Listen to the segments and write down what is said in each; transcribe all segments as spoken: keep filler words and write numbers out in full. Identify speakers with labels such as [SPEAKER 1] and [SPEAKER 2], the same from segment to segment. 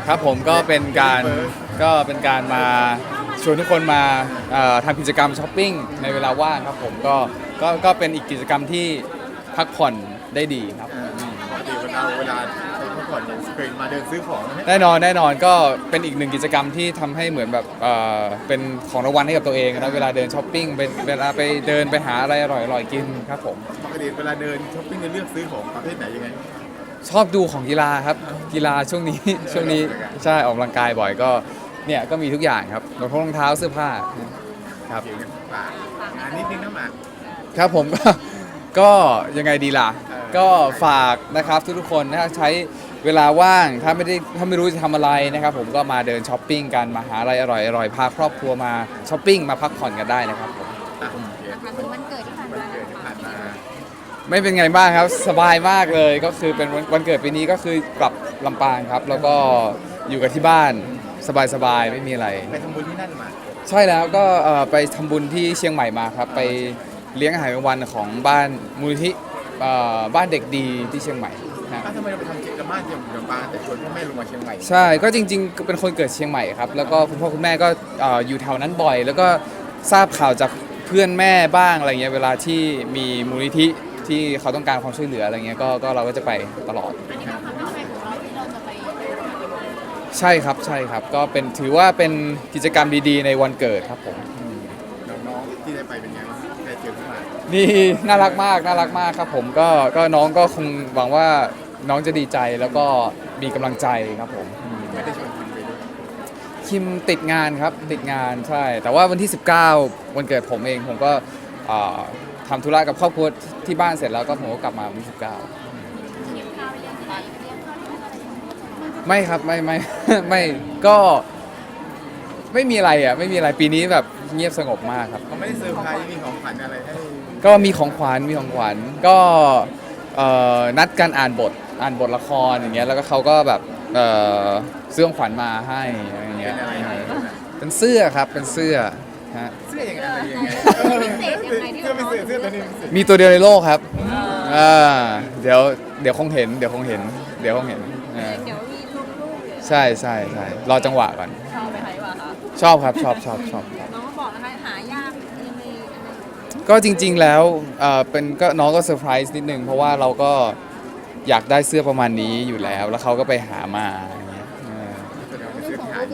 [SPEAKER 1] ครับผมก็เป็นการก็เป็นการมาชวนทุกคนมาเอ่อทำกิจกรรมช้อปปิ้งในเวลาว่างครับผมก็ก็ก็เป็นอีกกิจกรรมที่พักผ่อนได้ดีครับ
[SPEAKER 2] ปกติเวลาเวลาไปพักผ่อนเนี่ยเคยมาเดินซื้อของไหม
[SPEAKER 1] แน่นอนแน่นอนก็เป็นอีกหนึ่งกิจกรรมที่ทำให้เหมือนแบบเอ่อเป็นของรางวัลให้กับตัวเองนะเวลาเดินช้อปปิ้งเป็นเวลาไปเดินไปหาอะไรอร่อยๆกินครับผม
[SPEAKER 2] ปกติเวลาเดินช้อปปิ้งจะเลือกซื้อของประเภทไหนยังไง
[SPEAKER 1] ชอบดูของกีฬาครับกีฬาช่วงนี้ ช่วงนี้ใช่ออกกำลังกายบ่อยก็เนี่ยก็มีทุกอย่างครับรองเท้ารองเท้าเสื้อผ้าครับ
[SPEAKER 2] เกี่ยวกับปากงานนิดนึงนะหมาก
[SPEAKER 1] ครับผม ก็ก็ยังไงดีล่ะ
[SPEAKER 2] เออ
[SPEAKER 1] ก็ฝากนะครับทุกๆคนถ้าใช้เวลาว่างถ้าไม่ได้ถ้าไม่รู้จะทำอะไรนะครับผมก็มาเดินช้อปปิ้งกันมาหาอะไรอร่อยๆพาครอบครัวมาช้อปปิ้งมาพักผ่อนกันได้นะครับผม
[SPEAKER 2] อ่ะโอเค
[SPEAKER 3] นะคะถึงวันเกิดที่ผ่าน
[SPEAKER 2] วัน
[SPEAKER 3] มา
[SPEAKER 2] เกิดที่ผ่านมา
[SPEAKER 1] ไม่เป็นไงบ้างครับสบายมากเลยก็คือเป็นวันวันเกิดปีนี้ก็คือกลับลำปางครับ แล้วก็อยู่กับที่บ้านสบายๆไม่มีอะไร
[SPEAKER 2] ไปทำบุญที่นั่นมา
[SPEAKER 1] ใช่แล้วก็เอ่อไปทำบุญที่เชียงใหม่มาครับไปเลี้ยงอาหารกลางวันของบ้านมูลนิธิเอ่อบ้านเด็กดีที่เชียงใหม่นะ
[SPEAKER 2] อ้าวทำไมเราไปทำกิจกรรมบ้านเชียงลำปางแต่ชวนพ่อแม่ลงมาเชียงใหม่
[SPEAKER 1] ใช่ก็จริงๆเป็นคนเกิดเชียงใหม่ครับแล้วก็คุณพ่อคุณแม่ก็เอ่ออยู่แถวนั้นบ่อย แล้วก็ทราบข่าวจากเพื่อนแม่บ้างอะไรเงี้ยเวลาที่มีมูลนิธิที่เขาต้องการความช่วยเหลืออะไรเงี้ยก็ก็เราก็จะไปตลอด
[SPEAKER 3] อันนี้เป็นความตั้งใจของเราที่เราจะไป
[SPEAKER 1] ใช่ครับใช่ครับก็เป็นถือว่าเป็นกิจกรรมดีๆ ในวันเกิดครับผม
[SPEAKER 2] น้องๆที่ได้ไปเป็นไงบ้างได้เจอพี่หมาก
[SPEAKER 1] นี่น่ารักมากน่ารักมากครับผมก็ก็น้องก็คงหวังว่าน้องจะดีใจแล้วก็มีกำลังใจครับผม
[SPEAKER 2] ไม่ได้ชวนคิมไปด้วย
[SPEAKER 1] คิมติดงานครับติดงานใช่ แต่ว่าวันที่ สิบเก้า วันเกิดผมเองผมก็เอ่อทำธุระกับครอบครัวที่บ้านเสร็จแล้วก็ผมก็กลับมาวันที่ สิบเก้า
[SPEAKER 3] เลี้ยงข้าวเลี้ยงอะไรเลี้ยงข้าวเลี้ยงอะไรของเรา
[SPEAKER 1] ไม่ครับไม่ไม่ ไม่ก็ไม่มีอะไรอ่ะไม่มีอะไรปีนี้แบบเงียบสงบมากครับ
[SPEAKER 2] เขาไม่ได้เซอร์ไพรส์มีของขวัญอะไรให้
[SPEAKER 1] ก็มีของขวัญมีของขวัญก็เอ่อนัดกันอ่านบทอ่านบทละครอย่างเงี้ยแล้วก็เขาก็แบบเอ่อซื้อของขวัญมาให้อะไรอย่าง
[SPEAKER 2] เป็
[SPEAKER 1] เงี้ย
[SPEAKER 2] นอะไรให้
[SPEAKER 1] เป็นเสื้อครับเป็นเสื้อฮะ
[SPEAKER 2] เสื้อยังไงอะไรยังไงเออเสื้อไม่เสื้อเสื้อตัวนี้พิเศษ
[SPEAKER 1] มีตัวเดียวในโลกครับอ่าเดี๋ยวเดี๋ยวคงเห็นเดี๋ยวคงเห็นเดี๋ยวคงเห็นอ่า
[SPEAKER 3] เดี๋ยวมีลูกลูกเดี๋ยว
[SPEAKER 1] ใช่ใช่ใช่รอจังหวะก่อน
[SPEAKER 3] ชอบไปไหนวะคะ
[SPEAKER 1] ชอบครับชอบชอบชอบ
[SPEAKER 3] น้องก็บอกนะคะหายากยังไงยังไง
[SPEAKER 1] ก็จริงๆแล้วเอ่อเป็นก็น้องก็เซอร์ไพรส์นิดนึงเพราะว่าเราก็อยากได้เสื้อประมาณนี้อยู่แล้ว แล้วเขาก็ไปหามาอย่างเงี้ยเออ
[SPEAKER 2] แสดงว่าเป็นเสื้อที่หาย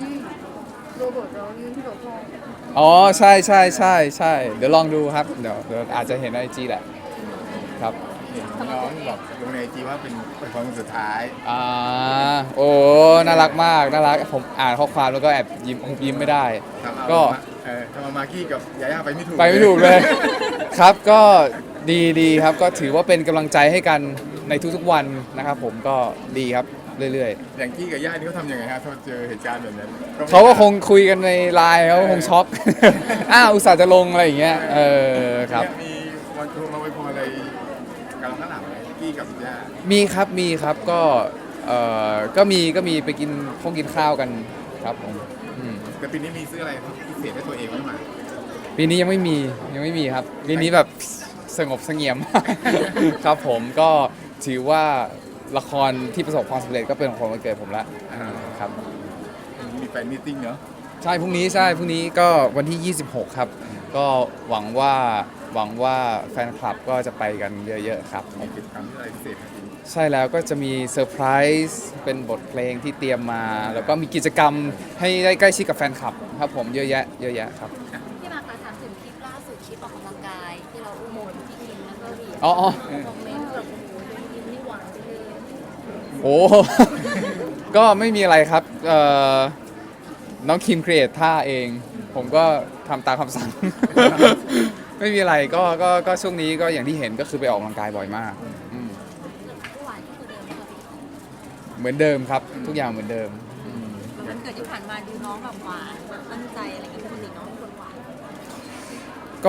[SPEAKER 1] อ๋อใช่ใช่ใช่ใช่เดี๋ยวลองดูครับเดี๋ยวเดี๋ยวอาจจะเห็นในไอจีแหละครับ
[SPEAKER 2] น้องบอกลงในไอจีว่าเป็นเป็นความสุดท้าย
[SPEAKER 1] อ่าโอ้น่ารักมากน่ารักผมอ่านข้อความแล้วก็แอบยิ้มคงยิ้มไม่ได้
[SPEAKER 2] ทำเอา
[SPEAKER 1] ก็
[SPEAKER 2] เออทำเอามากกี้กับยาย่าไปไม่ถูก
[SPEAKER 1] ไปไม่ถูกเลย ครับก็ดีดีครับก็ถือว่าเป็นกำลังใจให้กันในทุกๆวันนะครับผมก็ดีครับเรื่อย
[SPEAKER 2] อย่างกี้กับย่านี่เขาทำยังไงฮะถ้าเจอเหตุการณ์แบบนั้น
[SPEAKER 1] ๆเขาก็คงคุยกันในไลน์เขาคงช็อก อ้าวอุตส่าห์จะลงอะไรอย่างเงี้ยเออครับ
[SPEAKER 2] มีวันโทรมาไว้พรอะไรกับเราข้างหลังไหมกี้กับย่า
[SPEAKER 1] มีครับมีครับก็เออก็มีก็มีไปกินพงกินข้าวกันครับผมอืม
[SPEAKER 2] แต่ปีนี้มีซื้ออะไรพิเศษให้ตัวเองไหมหมา
[SPEAKER 1] ปีนี้ยังไม่มียังไม่มีครับปีนี้แบบสงบเสงี่ยม ครับผมก็ถือว่าละครที่ประสบความสำเร็จก็เป็นของวันเกิดผมละครับ
[SPEAKER 2] มีแฟนมีตติ้งเนาะ
[SPEAKER 1] ใช่พรุ่งนี้ใช่พรุ่งนี้ก็วันที่ ยี่สิบหก ครับ ก็หวังว่าหวังว่าแฟนคลับก็จะไปกันเยอะๆครับ
[SPEAKER 2] มีกิจกรรมที่อะไรพิเศษไหมปีนี้
[SPEAKER 1] ใช่แล้วก็จะมีเซอร์ไพรส์เป็นบทเพลงที่เตรียมมา แล้วก็มีกิจกรรมให้ได้ใกล้ชิดกับแฟนคลับครับผมเยอะแยะเยอะแยะครับ
[SPEAKER 3] พี่มาคะถามถึงคลิปล่าสุดคลิปออกกำลังกายที่เราอุ้มโมนพี่คิมแล้วก็เหรียญ
[SPEAKER 1] อ๋ออ๋อ
[SPEAKER 3] คอมเมนต์แบบโอ้โหเป็นคิมนี่หวานจังเลย
[SPEAKER 1] โอ้ ก็ไม่มีอะไรครับเอ่อน้องคิมครีเอทท่าเอง ผมก็ทำตามคำสั่ง ไม่มีอะไรก็ก็ก็ช่วงนี้ก็อย่างที่เห็นก็คือไปออกกำลังกายบ่อยมากอืม
[SPEAKER 3] หวานที่ตัวเดิมเลยค่ะพี่
[SPEAKER 1] เหมือนเดิมครับ ทุกอย่างเหมือนเดิมอืม
[SPEAKER 3] วันเกิดที่ผ่านมาดูน้องแบบหวานแบบตั้งใจอะไรอย่างเงี้ยปกติน้องเป็นคนหวาน
[SPEAKER 1] ก็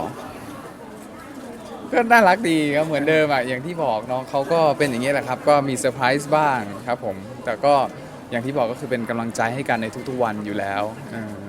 [SPEAKER 1] ก็น่ารักดีครับเหมือนเดิมอ่ะอย่างที่บอกน้องเขาก็เป็นอย่างนี้แหละครับ ก็มีเซอร์ไพรส์บ้างครับผม แต่ก็อย่างที่บอกก็คือเป็นกำลังใจให้กันในทุกๆวันอยู่แล้วเออ